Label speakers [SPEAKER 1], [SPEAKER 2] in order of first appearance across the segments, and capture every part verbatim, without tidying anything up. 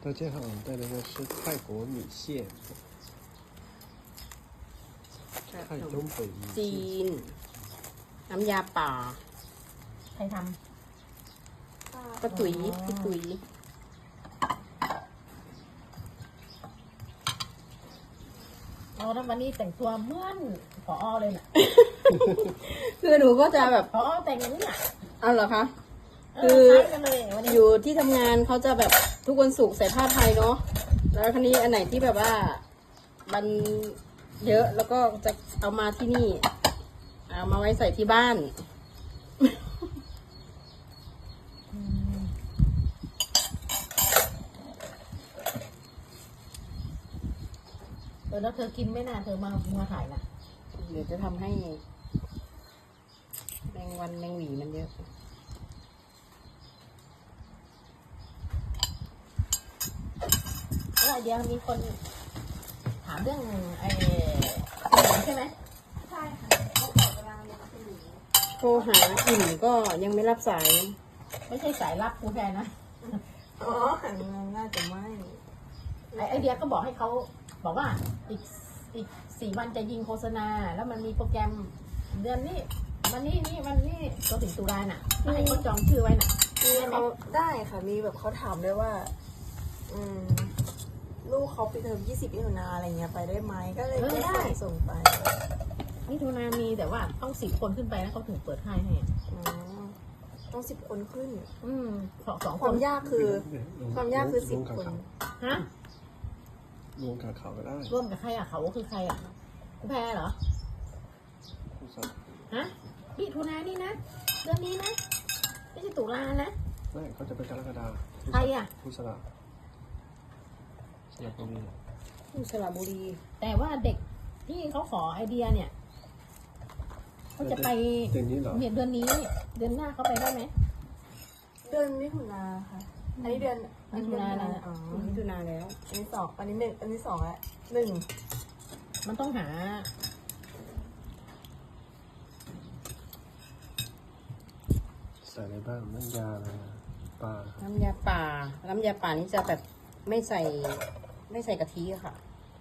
[SPEAKER 1] 他这好像带的是泰国米线，泰东北米
[SPEAKER 2] จี
[SPEAKER 1] 线。
[SPEAKER 2] น น้ำยาป่า
[SPEAKER 3] ใครท
[SPEAKER 2] ป้าตุ๋ยพี่ตุ๋ย
[SPEAKER 3] ำเอาแล้ววันนี้แต่งตัวเหมือนผอเลยน่ะ
[SPEAKER 2] คือหนูก็จะแบบ
[SPEAKER 3] ผอแต่งอย่างนี้น่ะ
[SPEAKER 2] เอาเหรอคะ
[SPEAKER 3] เ
[SPEAKER 2] คือ
[SPEAKER 3] คล้ายกันเลยวันนี้
[SPEAKER 2] อยู่ที่ทำงานเขาจะแบบทุกวันศุกร์ใส่ผ้าไทยเนาะ แล้วคราวนี้อันไหนที่แบบว่ามันเยอะแล้วก็จะเอามาที่นี่ เอามาไว้ใส่ที่บ้าน
[SPEAKER 3] อืมเออแล้วเธอกินไหม่น่าเธอมามาถ่ายน่ะ
[SPEAKER 2] เดี๋ยวจะทำให้แมงวันแมงหวีมันเยอะ
[SPEAKER 3] แล้วไอเดียมีคนถามเรื่องไอ้ใช่ไหม
[SPEAKER 4] ใช่ค่ะเขาขอเวลาเรียนคุณหนู
[SPEAKER 2] โทรหาอิ่มก็ยังไม่รับสาย
[SPEAKER 3] ไม่ใช่สายลับกูแทนนะ
[SPEAKER 4] อ๋อหันมาน่าจะไม่
[SPEAKER 3] ไอไอเดียก็บอกให้เขาบอกว่าอีกอีกสี่วันจะยิงโฆษณา แล้วมันมีโปรแกรมเดือนนี้วันนี้นี่วันนี้ก็ถึงตุลาน่ะมาให้เขาจองชื่อไว้น่ะ
[SPEAKER 4] มีเขาได้ค่ะมีแบบเขาถามด้วยว่า อืม ลูกเขาไปเทอมยี่สิบมิถุนาอะไรเงี้ยไปได้ไหมก็เลยก็ส่งส่งไป
[SPEAKER 3] มิถุนามีแต่ว่าต้องสิบคนขึ้นไปนะเขาถึงเปิดให้ให้อะ
[SPEAKER 4] อ๋อต้องสิบคนขึ้น
[SPEAKER 3] อืมสองสอง
[SPEAKER 4] ค
[SPEAKER 3] คน
[SPEAKER 4] วามยากคือ ความยากคือสิบคน
[SPEAKER 3] ฮะ
[SPEAKER 1] รวมกับเขาก็ได้
[SPEAKER 3] ร่วมกับใครอ่ะเขาคือใครอ่ะกูแพ้เหรอ
[SPEAKER 1] ผู้สมัคร
[SPEAKER 3] ฮะมิถุนานี่นะเดือนนี้นะไม่ใช่ตุลานะ
[SPEAKER 1] ไม่เขาจะเป็นกรกฎาคม
[SPEAKER 3] ใครอ่ะ
[SPEAKER 1] ผู้สลับสลับตรงนี้
[SPEAKER 2] ที่สระบุรี
[SPEAKER 3] แต่ว่าเด็กที่เขาขอไอเดียเนี่ยเขาจะไป
[SPEAKER 1] เดือนนี้เหรอ
[SPEAKER 3] เนี่ยเดือนนี้ เดือนหน้าเขาไปได้ไหม
[SPEAKER 4] เดือนมิถุนาค่ะ อันนี้เดือนอันนี้เดือน
[SPEAKER 3] มิถุนาแล้ว
[SPEAKER 4] อ๋อ
[SPEAKER 2] มิถุนาแล้ว
[SPEAKER 4] อันนี้สองอันนี้หนึ่งอันนี้สองแล้วหนึ่ง
[SPEAKER 3] มันต้องหา
[SPEAKER 1] ใส่อะไรบ้างน้ำยาอะไรนะปลา
[SPEAKER 2] น้ำยาป่า น้ำยาป่านี่จะแบบไม่ใส่ไม่ใส่กะทิอะค่ะ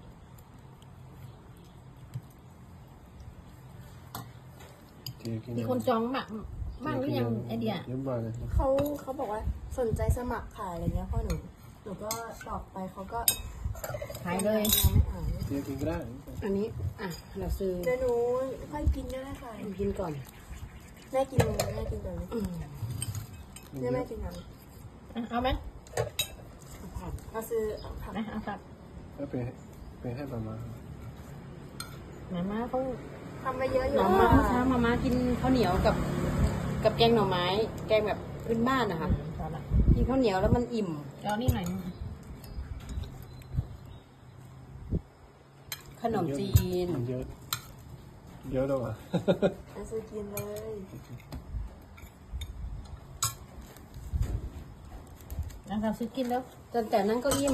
[SPEAKER 1] เทียกิน
[SPEAKER 3] มีคนจองมากมากหรือยังไอเดีย
[SPEAKER 1] เยี่ยมมากเลย
[SPEAKER 4] เขาเขาบอกว่าสนใจสมัครขายอะไรเงี้ยพ่อหนูหนูก็ตอบไปเขาก็
[SPEAKER 3] ขายเลย
[SPEAKER 4] ยังไม่อ่าน
[SPEAKER 1] เทียกินก็ได้
[SPEAKER 2] อันนี้ อ่ะ เราซื้อ
[SPEAKER 4] เดี๋ยวหนูค่อยกินก็ได้ค่ะ
[SPEAKER 2] กินก่อน
[SPEAKER 4] แม่กินแม่กินก่อนเลย
[SPEAKER 2] อืม
[SPEAKER 4] แม่แม่กินก่อน
[SPEAKER 3] อ่ะเอาไหม
[SPEAKER 2] ผัด
[SPEAKER 4] มาซื้อผัก
[SPEAKER 3] นะเอาครับ
[SPEAKER 1] แล้วไปไปให้มามา
[SPEAKER 3] มาม่าเขา
[SPEAKER 4] ทำมาเยอะอยู่
[SPEAKER 2] หน่อไม้เมื่อเช้ามาม่ากินข้าวเหนียวกับ กับแกงหน่อไม้ แกงแบบพื้นบ้านนะคะ
[SPEAKER 3] พอละ
[SPEAKER 2] กินข้าวเหนียวแล้วมันอิ่ม
[SPEAKER 3] เอานี่หน่อยนึง
[SPEAKER 2] ขนมจีน
[SPEAKER 1] มันเยอะ เยอะแล้วอ่ะ
[SPEAKER 4] มาซื้อกินเลย
[SPEAKER 3] นะครับซื้อกินแล้ว
[SPEAKER 2] แต่แต่นั้นก็อิ่ม